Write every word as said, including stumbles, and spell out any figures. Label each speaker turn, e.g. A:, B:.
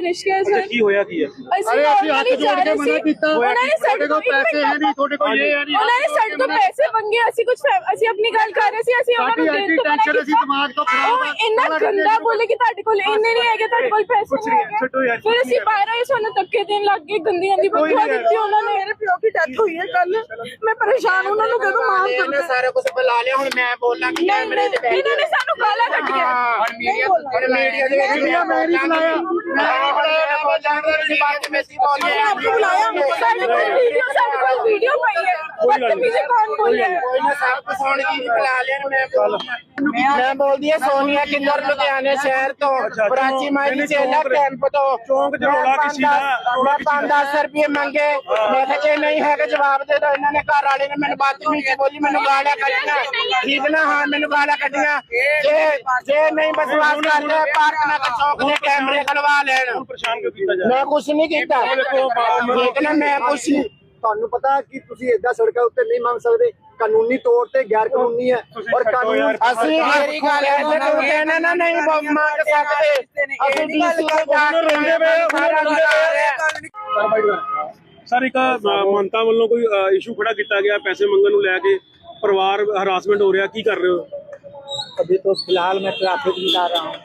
A: ਨਿਸ਼ਕਿਆ sir
B: ਕੀ ਹੋਇਆ ਕੀ ਹੈ?
A: ਅਸੀਂ ਹੱਥ ਜੋੜ ਕੇ ਮਨਾ ਕੀਤਾ, ਉਹਨਾਂ ਨੇ ਸਾਡੇ ਕੋਲ ਪੈਸੇ ਹੈ ਨਹੀਂ, ਤੁਹਾਡੇ ਕੋਲ ਇਹ ਹੈ ਨਹੀਂ, ਉਹਨਾਂ ਨੇ ਸਾਡੇ ਤੋਂ ਪੈਸੇ ਮੰਗੇ। ਅਸੀਂ ਕੁਝ ਅਸੀਂ ਆਪਣੀ ਗੱਲ ਕਰ ਰਹੇ ਸੀ, ਅਸੀਂ ਉਹਨਾਂ ਨੂੰ ਦੇ ਦਿੱਤਾ। ਟੈਨਸ਼ਨ ਅਸੀਂ ਦਿਮਾਗ ਤੋਂ ਖਰਾਬ ਆ, ਇੰਨਾ ਗੰਦਾ ਬੋਲੇ ਕਿ ਤੁਹਾਡੇ ਕੋਲ ਇੰਨੇ ਨਹੀਂ ਹੈਗੇ, ਤੁਹਾਡੇ ਕੋਲ ਪੈਸੇ ਨਹੀਂ ਹੈਗੇ। ਫਿਰ ਅਸੀਂ ਬਾਹਰ ਆਏ, ਸਾਨੂੰ ਧੱਕੇ ਦੇਣ ਲੱਗ ਗਏ, ਗੰਦੀਆਂ ਦੀ ਬਦਦੁਆ ਦਿੱਤੀ ਉਹਨਾਂ ਨੇ। ਮੇਰੇ ਪਿਓ ਦੀ ਡੈਥ ਹੋਈ ਹੈ ਕੱਲ, ਮੈਂ ਪਰੇਸ਼ਾਨ, ਉਹਨਾਂ ਨੂੰ ਕਦੋਂ ਮਾਫ ਕਰਨਾ।
C: ਸਾਰਾ ਕੁਝ ਬੁਲਾ ਲਿਆ, ਹੁਣ ਮੈਂ ਬੋਲਾਂਗੀ ਕੈਮਰੇ ਤੇ ਬੈਠ
A: ਇਹਨਾਂ ਨੇ ਸਾਨੂੰ ਗਾਲਾਂ ਕੱਢੀਆਂ।
C: ਹੁਣ ਮੀਡੀਆ ਹੁਣ ਮੀਡੀਆ ਦੇ ਵਿੱਚ ਮੈਂ ਨਹੀਂ ਬੁਲਾਇਆ, ਮੈਂ ਨਹੀਂ ਬੁਲਾਇਆ, ਮੈਂ ਬੋਲਾਂਗਾ ਤੁਸੀਂ ਬਾਅਦ ਵਿੱਚ ਮੈਸੇਜ ਬੋਲਿਆ
A: ਆਪ ਨੂੰ ਬੁਲਾਇਆ। ਸਾਡੇ ਕੋਲ ਵੀਡੀਓ ਸਾਡੇ ਕੋਲ ਵੀਡੀਓ ਪਈ ਹੈ, ਬਦਤਮੀਜ਼ੀ ਕੌਣ ਬੋਲਿਆ?
C: ਕੋਈ ਨਾ ਸਭ ਕੁਝ ਸੁਣ ਕੇ ਬੁਲਾ ਲਿਆ। ਮੈਂ ਮੈਂ ਬੋਲਦੀ ਆ ਸੋਨੀਆ ਕਿੰਨਰ ਲੁਧਿਆਣੇ ਸ਼ਹਿਰ ਤੋਂ, ਪ੍ਰਾਚੀ ਮਾਈ ਚੇਲਾ ਕੈਂਪ ਤੋਂ।
B: ਚੌਂਕ ਚ ਰੌਲਾ ਕਿਸੇ ਦਾ
C: ਮੈਂ ਪੰਜ ਦਸ ਰੁਪਏ ਮੰਗੇ, ਮੈਂ ਕਿਹਾ ਜੇ ਨਹੀਂ ਹੈਗਾ ਜਵਾਬ ਦੇ ਦੋ। ਇਹਨਾਂ ਨੇ ਘਰ ਵਾਲੇ ਨੇ ਮੈਨੂੰ ਬਦਤਮੀਜ਼ੀ ਬੋਲੀ, ਮੈਨੂੰ ਗਾਲਾਂ ਕੱਢੀਆਂ, ਠੀਕ ਨਾ? ਹਾਂ ਮੈਨੂੰ ਗਾਲਾਂ ਕੱਢੀਆਂ। ਜੇ ਜੇ ਨਹੀਂ ਵਿਸ਼ਵਾਸ ਕਰਦੇ ਪਾਰਕ ਨਾ ਚੌਕ ਦੇ ਕੈਮਰੇ ਖਲਵਾ ਲੈਣ।
B: ਪਰੇਸ਼ਾਨ ਕਿਉਂ ਕੀਤਾ ਜਾ?
C: ਮੈਂ ਕੁਛ ਨਹੀਂ ਕੀਤਾ, ਠੀਕ ਨਾ? ਮੈਂ ਕੁਛ ਨਹੀਂ।
D: ਤੁਹਾਨੂੰ ਪਤਾ ਕਿ ਤੁਸੀਂ ਏਦਾਂ ਸੜਕਾਂ ਉੱਤੇ ਨਹੀਂ ਮੰਗ ਸਕਦੇ, ਕਾਨੂੰਨੀ ਤੌਰ ਤੇ ਗੈਰ ਕਾਨੂੰਨੀ ਹੈ। ਔਰ ਕਾਨੂੰਨ
C: ਅਸੀਂ ਮੇਰੀ ਗੱਲ ਹੈ ਤੇ ਤੂੰ ਕਹਿਣਾ ਨਾ ਨਹੀਂ ਮੰਗ ਸਕਦੇ, ਅਸੀਂ ਡੀਸੀ ਦੇ ਜਾ
B: ਸਰ ਇੱਕ ਮਹੰਤਾ ਵੱਲੋਂ ਕੋਈ ਇਸ਼ੂ ਖੜਾ ਕੀਤਾ ਗਿਆ ਪੈਸੇ ਮੰਗਣ ਨੂੰ ਲੈ ਕੇ, ਪਰਿਵਾਰ ਹਰਾਸਮੈਂਟ ਹੋ ਰਿਹਾ, ਕੀ ਕਰ ਰਹੇ ਹੋ?
D: अभी तो फिलहाल मैं ट्रैफिक में जा रहा हूँ।